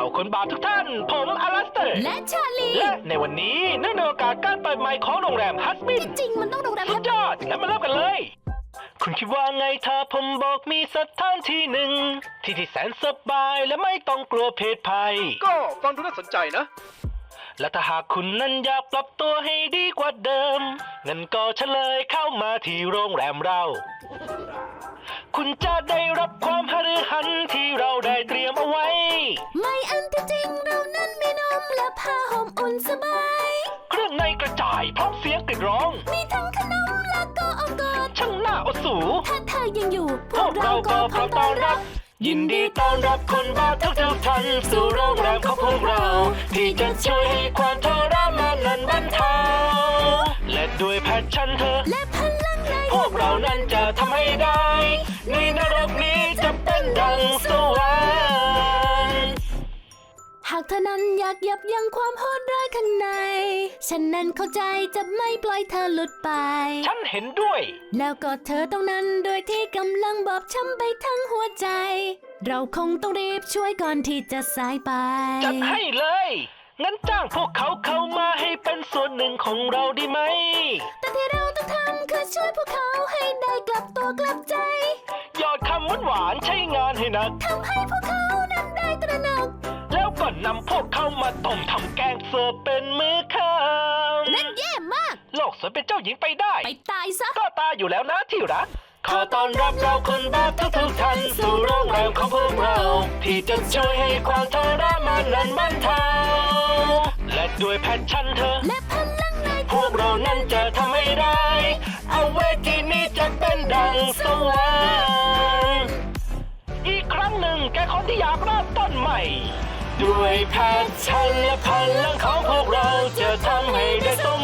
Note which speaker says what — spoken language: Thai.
Speaker 1: คนบาปทุกท่านผมอลัสเตอร์
Speaker 2: และชาลี
Speaker 1: และในวันนี้เนื่องในโอกาสการเปิดใหม่ของโรงแรมฮัสมิน
Speaker 2: จริงๆมันต้องโรงแรม
Speaker 1: สุดยอดงั้นมาเริ่มกันเลยคุณคิดว่าไงถ้าผมบอกมีสถานที่หนึ่งที่แสนสบายและไม่ต้องกลัวเพศภัย
Speaker 3: ก็ฟังดูน่าสนใจนะ
Speaker 1: และถ้าหากคุณนั้นอยากปรับตัวให้ดีกว่าเดิมงั้นก็เฉลยเข้ามาที่โรงแรมเราคุณจะได้รับความหฤหันที่เราได้เตรียมเอาไว้
Speaker 2: ไม่อันที่จริงเรานั้นมีนมและผ้าห่มอุ่นสบาย
Speaker 1: เครื่องในกระจายพร้อมเสียงกรีดร้อง
Speaker 2: มีทั้งขนมและก็อากาศ
Speaker 1: ช่างน่าอดสู
Speaker 2: ถ้าเธอยังอยู่
Speaker 1: พวกเราก็พร้อมต้อนรับยินดีต้อนรับคนบาปทุกท่านสู่โรงแรมของพวกเราที่จะช่วยให้ความทรมานนั้นบรรเทาและด้วยแพชชั่นเธอ
Speaker 2: และพลังใน
Speaker 1: พวกเรานั้นจะทำให้ได้ในนรกนี้จะเป็นดังสวรรค์
Speaker 2: หากเธอนั้นอยากยับยั้งความโหดร้ายข้างในฉันนั้นเข้าใจจะไม่ปล่อยเธอหลุดไป
Speaker 1: ฉันเห็นด้วย
Speaker 2: แล้วก็เธอตรงนั้นโดยที่กำลังบอบช้ำไปทั้งหัวใจเราคงต้องรีบช่วยก่อนที่จะสายไป
Speaker 1: จัดให้เลยงั้นจ้างพวกเขาเข้ามาให้เป็นส่วนหนึ่งของเราดีไหม
Speaker 2: แต่ที่เราต้องทำคือช่วยพวกเขาให้ได้กลับตัวกลับใจ
Speaker 1: หยอดคำหวานๆใช้งานให้หนัก
Speaker 2: ทำให้พวกเขานั้นได้ตระหนัก
Speaker 1: แล้วก็นำพวกเขามาต้มทำแกงเสิร์ฟเป็นมื้อค่ำ
Speaker 2: นั่นแย่มาก
Speaker 1: โลกสวยเป็นเจ้าหญิงไปได้
Speaker 2: ไปตายซะ
Speaker 1: ก็ตายอยู่แล้วนะที่รักขอต้อนรับเราคนบาปทุกท่านสู่โรงแรมของพวกเราที่จะช่วยให้ความทรมานนั้นบรรเทาและด้วยแพชชั่นเธอ
Speaker 2: และพลังใน
Speaker 1: พวกเรานั้นจะทำให้ได้เอาเวทีนี้จะเป็นดังสวรรค์อีกครั้งหนึ่งแกคนที่อยากเริ่มต้นใหม่ด้วยแพชชั่นและพลังของพวกเราจะทำให้ได้สม